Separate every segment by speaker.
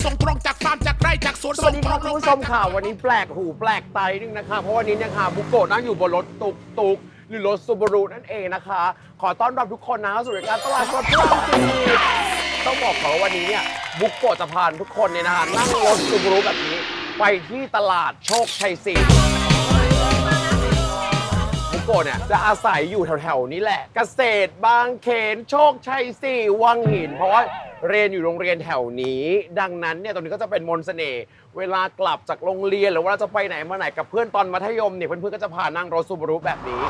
Speaker 1: ส่งตรงจากฟาร์มจากไร่จากสวน
Speaker 2: สวัสดีครับคุณผู้ชมค่ะวันนี้แปลกหูแปลกตานึงนะคะเพราะวันนี้เนี่ยค่ะบุโกะนั่งอยู่บนรถตุกหรือรถซูบารุนั่นเองนะคะ ขอต้อนรับทุกคนนะสู่รายการตลาดสดพระรามสี่ต้องบอกเขาว่าวันนี้เนี่ยบุโกะจะพาทุกคนเนี่ยนะคะนั่งรถซูบารุแบบนี้ไปที่ตลาดโชคชัย4บุโกะเนี่ยจะอาศัยอยู่แถวๆนี้แหละเกษตรบางเขนโชคชัย4วังหินเพราะว่าเรียนอยู่โรงเรียนแถวนี้ดังนั้นเนี่ยตรงนี้ก็จะเป็นมนต์เสน่ห์เวลากลับจากโรงเรียนหรือว่าจะไปไหนมาไหนกับเพื่อนตอนมัธยมเนี่ยเพื่อนๆก็จะพานั่งรถซูบารุแบบนี้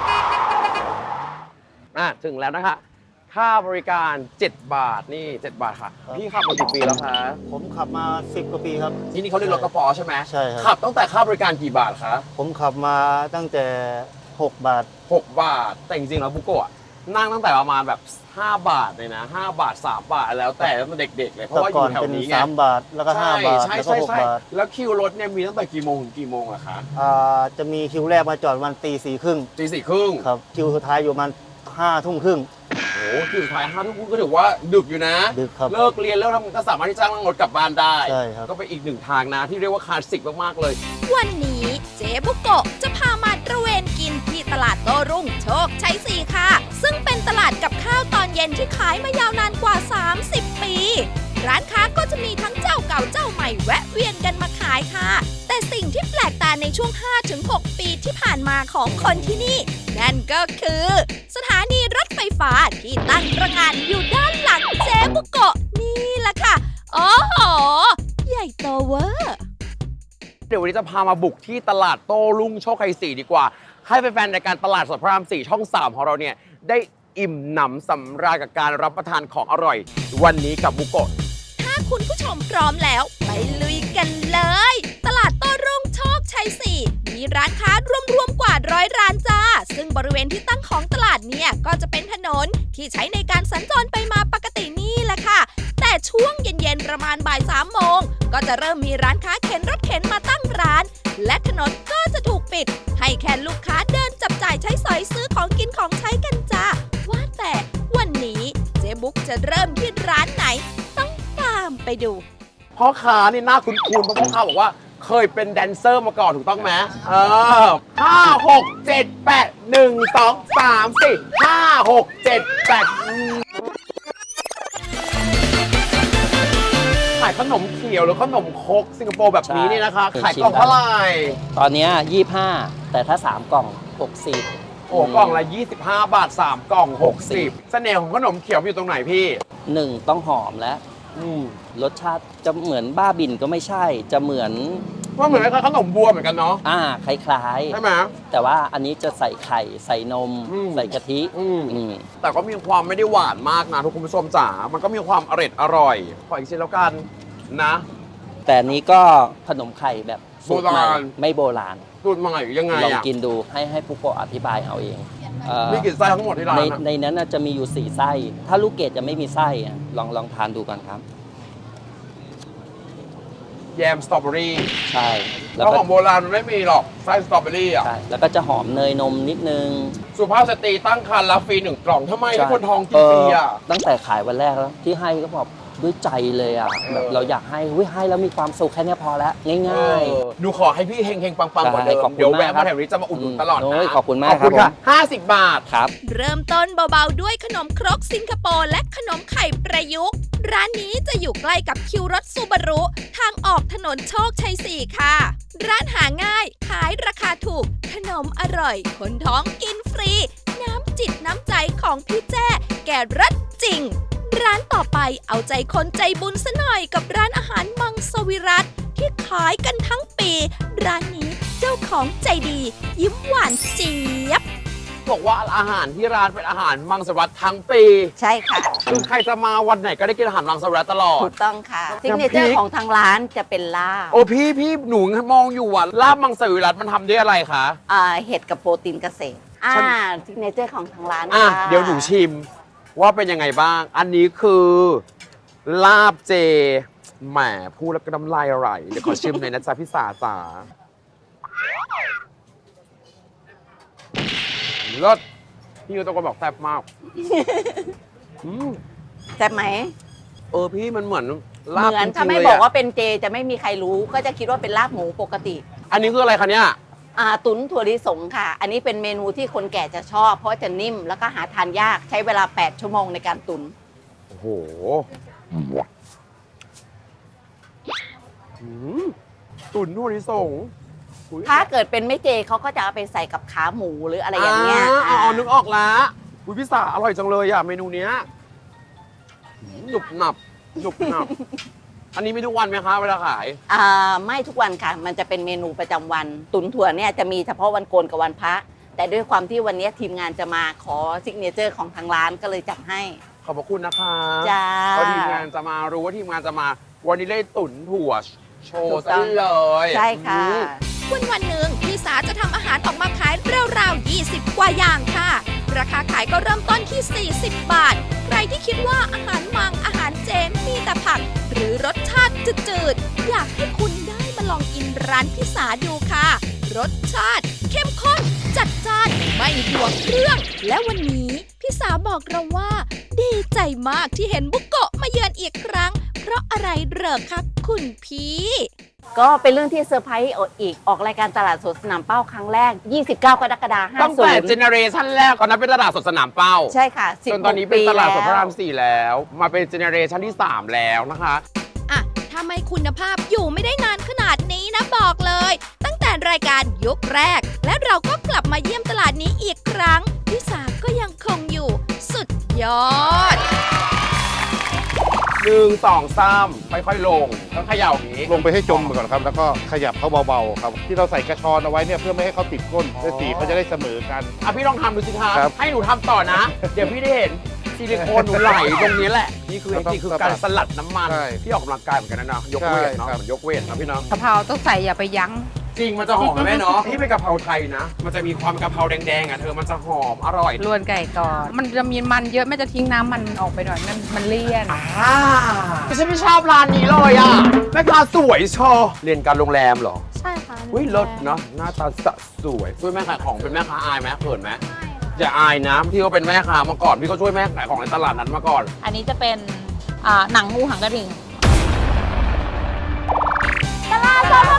Speaker 2: ถึงแล้วนะคะค่าบริการ 7 บาทนี่ 7 บาทค่ะพี่ขับมากี่ปีแล้วคะ
Speaker 3: ผมขับมา 10 กว่าปีครับ
Speaker 2: ที่นี่เขาเรียกรถกระป๋อใช่ไหม
Speaker 3: ใช่ครับ
Speaker 2: ขับตั้งแต่ค่าบริการกี่บาทคะ
Speaker 3: ผมขับมาตั้งแต่ 6 บาท
Speaker 2: 6 บาทแต่จริงๆแล้วบุโกะนั่งตั้งแต่ประมาณแบบ5 บาทเลยนะ5 บาท 3 บาทแล้วแต่ตั้งแต่เด็กๆเลยเพราะ
Speaker 3: แต่
Speaker 2: ว่าอ
Speaker 3: ก่อยู่ น
Speaker 2: แถว
Speaker 3: เป็น
Speaker 2: นี้ไง
Speaker 3: 3 บาท แล้วก็ 5 บาท
Speaker 2: ใช่
Speaker 3: แล้วก็ 6 บาท
Speaker 2: แล้วคิวรถเนี่ยมีตั้งแต่กี่โมงถึงกี่โมงอะคะ
Speaker 3: จะมีคิวแรกมาจอดวันตี4 ครึ่ง
Speaker 2: ตี 4 ครึ่ง
Speaker 3: ครับ คิวสุดท้ายอยู่ประมัน5 ทุ่มครึ่ง
Speaker 2: โอ้โหคิวสุดท้าย5 ทุ่มครึ่งก็ถือว่าดึกอยู่นะ
Speaker 3: ดึกครับ
Speaker 2: เลิกเรียนแล้วก็สามารถที่จะนั่งรถกลับบ้านได้
Speaker 3: ใช่ครับ
Speaker 2: ก็เป็นอีกหนึ่งทางนะที่เรียกว่าคลาสสิกมากๆเลย
Speaker 4: วันนี้เจ๊บุโกะจะพามาตระเวนกินที่ตลาดโต้รุ่งโชคชัย4ค่ะ ซึ่งเป็นตลาดกับข้าวตอนเย็นที่ขายมายาวนานกว่า 30 ปี ร้านค้าก็จะมีทั้งเจ้าเก่าเจ้าใหม่แวะเวียนกันมาขายค่ะ แต่สิ่งที่แปลกตาในช่วง 5-6 ปีที่ผ่านมาของคนที่นี่ นั่นก็คือ สถานีรถไฟฟ้าที่ตั้งตระหง่านอยู่ด้านหลังเจ๊บุโกะนี่แหละค่ะโอ้โหใหญ่โตเวอร์
Speaker 2: เดี๋ยววันนี้จะพามาบุกที่ตลาดโต้รุ่งโชคชัย4ดีกว่า ให้แฟนๆรายการตลาดสดพระราม4ช่อง 3 ของเราเนี่ยได้อิ่มหนำสำราญกับการรับประทานของอร่อย วันนี้กับบุโกะ
Speaker 4: ถ้าคุณผู้ชมพร้อมแล้วไปลุยกันเลย ตลาดโต้รุ่งโชคชัย4มีร้านค้ารวมๆกว่า100 ร้านจ้า ซึ่งบริเวณที่ตั้งของตลาดเนี่ยก็จะเป็นถนนที่ใช้ในการสัญจรไปมาปกตินี่แหละค่ะ แต่ช่วงเย็นๆประมาณบ่าย3 โมงก็จะเริ่มมีร้านค้าเข็นรถเข็นมาตั้งร้าน และถนนก็จะถูกปิด ให้แค่ลูกค้าเดินจับจ่ายใช้สอยซื้อของกินของใช้กันจ้าว่าแต่วันนี้เจ๊บุ๊กจะเริ่มที่ร้านไหนต้องตามไปดู
Speaker 2: พ่อค้านี่น่าคุ้นๆเพราะพ่อค้าบอกว่าเคยเป็นแดนเซอร์มาก่อนถูกต้องไหม5 6 7 8 1 2 3 4 5 6 7 8ขายขนมเขียวหรือขนมครกสิงคโปร์แบบนี้นี่นะคะ
Speaker 5: ใช่
Speaker 2: ขายกล่องเท่าไหร่
Speaker 5: ตอนเนี้ย25 แต่ถ้า 3 กล่อง 60
Speaker 2: โอ้กล่องละ25 บาท 3 กล่อง 60 เสน่ห์ของขนมเขียวอยู่ตรงไหนพี่
Speaker 5: 1 ต้องหอมและ
Speaker 2: อืม
Speaker 5: รสชาติจะเหมือนบ้าบินก็ไม่ใช่ จะเหมือน
Speaker 2: ว่าเหมือนกับขนมบัวเหมือนกันเนาะ
Speaker 5: คล้าย
Speaker 2: ใช่ไหม
Speaker 5: ๆ แต่ว่าอันนี้จะใส่ไข่ใส่นม ใส่กะทิ
Speaker 2: อืม
Speaker 5: อืม
Speaker 2: แต่ก็มีความไม่ได้หวานมากนะทุกคุณผู้ชมจ๋า มันก็มีความอร่อย ขออีกชิ้นแล้วกันนะ
Speaker 5: แต่อันนี้ก็ขนมไข่แบบสูตรใหม่
Speaker 2: โบราณ
Speaker 5: ไม่โบราณ
Speaker 2: สูตรใหม่ยังไง
Speaker 5: ลอง
Speaker 2: อ่ะ
Speaker 5: กินดูให้ผู้โกะอธิบายเอาเอง
Speaker 2: มีกี่ไส้ทั้งหมดที่ร้าน
Speaker 5: ใน
Speaker 2: อะ
Speaker 5: ในนั้นน่ะจะมีอยู่ 4 ไส้ ถ้าลูกเกดจะไม่มีไส้อะลองทานดูก่อนครับ
Speaker 2: แยมสตรอเบอรี่
Speaker 5: ใช่
Speaker 2: เพ
Speaker 5: แล้ว
Speaker 2: ราะ
Speaker 5: ก็
Speaker 2: ของโบราณมันไม่มีหรอกไส้สตรอเบอรี่อ่ะ
Speaker 5: ใช่แล้วก็จะหอมเนยนมนิดนึง
Speaker 2: สุภาพสตรีตั้งครรภ์รับฟรี1 กล่องทำไมให้คนท้องกินฟรีอ่ะ
Speaker 5: ตั้งแต่ขายวันแรกแล้วที่ให้ก็บอกด้วยใจเลยอ่ะแบบเราอยากให้ให้แล้วมีความสุขแค่เนี้ยพอแล้วง่าย
Speaker 2: หนูขอให้พี่เฮงๆ ปังๆกว่าเดิม
Speaker 5: ได้ขอบคุณ
Speaker 2: เดี๋ยวแวะ
Speaker 5: มากครั
Speaker 2: มา
Speaker 5: บ
Speaker 2: แถวนี้จะมาอุดหนุนตลอด
Speaker 5: โอ้ย
Speaker 2: นะ
Speaker 5: ขอบคุณมาก
Speaker 2: ขอบคุณ
Speaker 5: ครั
Speaker 2: ค่ะ
Speaker 5: บ
Speaker 2: 50 บาท
Speaker 5: ครับ
Speaker 4: เริ่มต้นเบาๆด้วยขนมครกสิงคโปร์และขนมไข่ประยุกต์ ร้านนี้จะอยู่ใกล้กับคิวรถซูบารุ ทางออกถนนโชคชัย4ค่ะ ร้านหาง่ายขายราคาถูก ขนมอร่อย คนท้องกินฟรี น้ำจิตน้ำใจของพี่แจ้ แก่รัดจริง ร้านต่อไปเอาใจคนใจบุญซะหน่อยกับร้านอาหารมังสวิรัตที่ขายกันทั้งปี ร้านนี้เจ้าของใจดี ยิ้มหวานเจี๊ยบ
Speaker 2: บอกว่าอาหารที่ร้านเป็นอาหารมังสวิรัติทั้งปี
Speaker 6: ใช่ค่ะ
Speaker 2: คือใครจะมาวันไหนก็ได้กินอาหารมังสวิรัติตลอด
Speaker 6: ถูกต้องค่ะ
Speaker 2: น้ำพริ
Speaker 6: ซิ
Speaker 2: ก
Speaker 6: กเนเจอร์ของทางร้านจะเป็นลาบ
Speaker 2: โอ้พี่หนูมองอยู่ว่าลาบมังสวิรัติมันทำด้วยอะไรคะ
Speaker 6: เห็ดกับโปรตีนเกษตร
Speaker 2: ฉัน
Speaker 6: ซิกเนเจอร์ของทางร้าน
Speaker 2: อ่ะ
Speaker 6: ค่ะ
Speaker 2: เดี๋ยวหนูชิมว่าเป็นยังไงบ้าง อันนี้คือลาบเจแหมพูดแล้วก็น้ำลายไหลเดี๋ยวขอชิมหน่อยนะจ๊ะพี่สาจ๋าเลิศพี่ก็ต้องบอกแซ่บมาก
Speaker 6: แซ่บไหม
Speaker 2: พี่มันเหมือน
Speaker 6: เหมือนถ้าไม่บอกว่าเป็นเจจะไม่มีใครรู้ ก็จะคิดว่าเป็นลาบหมูปกติ
Speaker 2: อันนี้คืออะไรคะเนี่ย
Speaker 6: ตุ๋นถั่วลิสงค่ะ อันนี้เป็นเมนูที่คนแก่จะชอบ เพราะจะนิ่มแล้วก็หาทานยากใช้เวลา8 ชั่วโมงในการตุ๋น
Speaker 2: โอ้โหตุ๋นถั่วลิสงอุ๊ย
Speaker 6: ถ้าเกิดเป็นไม่เจเขาก็จะเอาไปใส่กับขาหมูหรืออะไรอย่างเงี้ย
Speaker 2: อ๋อนึกออกแล้วอุ้ยพี่สาอร่อยจังเลยอ่ะเมนูเนี้ยหนุบหนับหนุบหนับ อันนี้มีทุกวันไหมคะเวลาขาย
Speaker 6: ไม่ทุกวันค่ะ มันจะเป็นเมนูประจำวัน ตุ๋นถั่วเนี่ยจะมีเฉพาะวันโกนกับวันพระ แต่ด้วยความที่วันนี้ทีมงานจะมาขอซิกเนเจอร์ของทางร้านก็เลยจัดให้
Speaker 2: ขอบพระคุณนะคะ
Speaker 6: จ้า
Speaker 2: เพราะทีมงานจะมารู้ว่าทีมงานจะมา วันนี้เลยตุ๋นถั่วโช
Speaker 6: ถู
Speaker 2: ว์
Speaker 6: กต้
Speaker 2: ซะ
Speaker 6: อง
Speaker 2: เลย
Speaker 6: ใช่ค่ะ
Speaker 4: วันหนึ่งพี่สาจะทำอาหารออกมาขายราวๆ 20 กว่าอย่างค่ะ ราคาขายก็เริ่มต้นที่ 40 บาท ใครที่คิดว่าอาหารมังอาหารเจมีแต่ผัก หรือรสชาติจืดๆ อยากให้คุณได้มาลองกินร้านพี่สาดูค่ะ รสชาติเข้มข้น จัดจ้าน ไม่ห่วงเครื่อง และวันนี้พี่สาบอกเราว่า ดีใจมากที่เห็นบุโกะมาเยือนอีกครั้ง เพราะอะไรเหรอครับคุณพี่
Speaker 6: ก็เป็นเรื่องที่เซอร์ไพรส์อีกออกรายการตลาดสดสนามเป้าครั้งแรก 29 กรกฎาคม
Speaker 2: ตั้งแต่เจ
Speaker 6: 50
Speaker 2: เนอเรชันแรกตอนนั้นเป็นตลาดสดสนามเป้า
Speaker 6: ใช่ค่ะ
Speaker 2: จนตอนนี้เป็นตลาดสดพระราม
Speaker 6: 4
Speaker 2: 4 แล้ว มาเป็นเจเนอเรชันที่ 3 แล้วนะคะ
Speaker 4: อ่ะถ้าไม่คุณภาพอยู่ไม่ได้นานขนาดนี้นะบอกเลย ตั้งแต่รายการยุคแรก และเราก็กลับมาเยี่ยมตลาดนี้อีกครั้งพี่สาก็ยังคงอยู่ สุดยอด
Speaker 2: 1 2 3 ค่อยๆลงต้องเขย่าอย่างนี้
Speaker 7: ลงไปให้จมก่อนครับ แล้วก็ขยับเขาเบาๆครับ ที่เราใส่กระชอนเอาไว้เนี่ยเพื่อไม่ให้เขาติดก้นและสีเขาจะได้เสมอกัน
Speaker 2: อ่ะพี่ลองทำดูสิคะ
Speaker 7: ครับ
Speaker 2: ให้หนูทำต่อนะ เดี๋ยวพี่ได้เห็นซิลิโคนหนูไหลตรงนี้แหละ นี่คือ
Speaker 7: ต้อง
Speaker 2: นี่คือการสลัดน้ำมัน
Speaker 7: ใช่
Speaker 2: ที่ออกกำลังกายเหมือนกันนะเนาะยกเวทเนาะ
Speaker 7: ใช่ครับ
Speaker 2: เหมือนยกเวทนะพี่เนาะ
Speaker 8: กะเพราต้องใส่อย่าไปยั้ง
Speaker 2: จริงมันจะหอมไหมแม่เนาะที่เป็นกะเพราไทยนะ มันจะมีความกะเพราแดงๆอ่ะเธอมันจะหอมอร่อย
Speaker 8: ลวนไก่ก่อน มันจะมีมันเยอะแม่จะทิ้งน้ำมันออกไปหน่อยมันเลี่ยน
Speaker 2: ฉันไม่ชอบร้านนี้เลยอ่ะแม่ค้าสวยชอเรียนการโรงแรมเหรอ
Speaker 8: ใช่ค่ะ
Speaker 2: อุ้ยรสเนาะหน้าตาสวยช่วยแม่ขายของเป็นแม่ค้าอายไหมเขินไหมอย่าอายนะพี่ก็เป็นแม่ค้ามาก่อนพี่ก็ช่วยแม่ขายของในตลาดนั้นมาก่อน
Speaker 9: อันนี้จะเป็นหนังงูหางกระดิ่ง
Speaker 4: ตลาดสด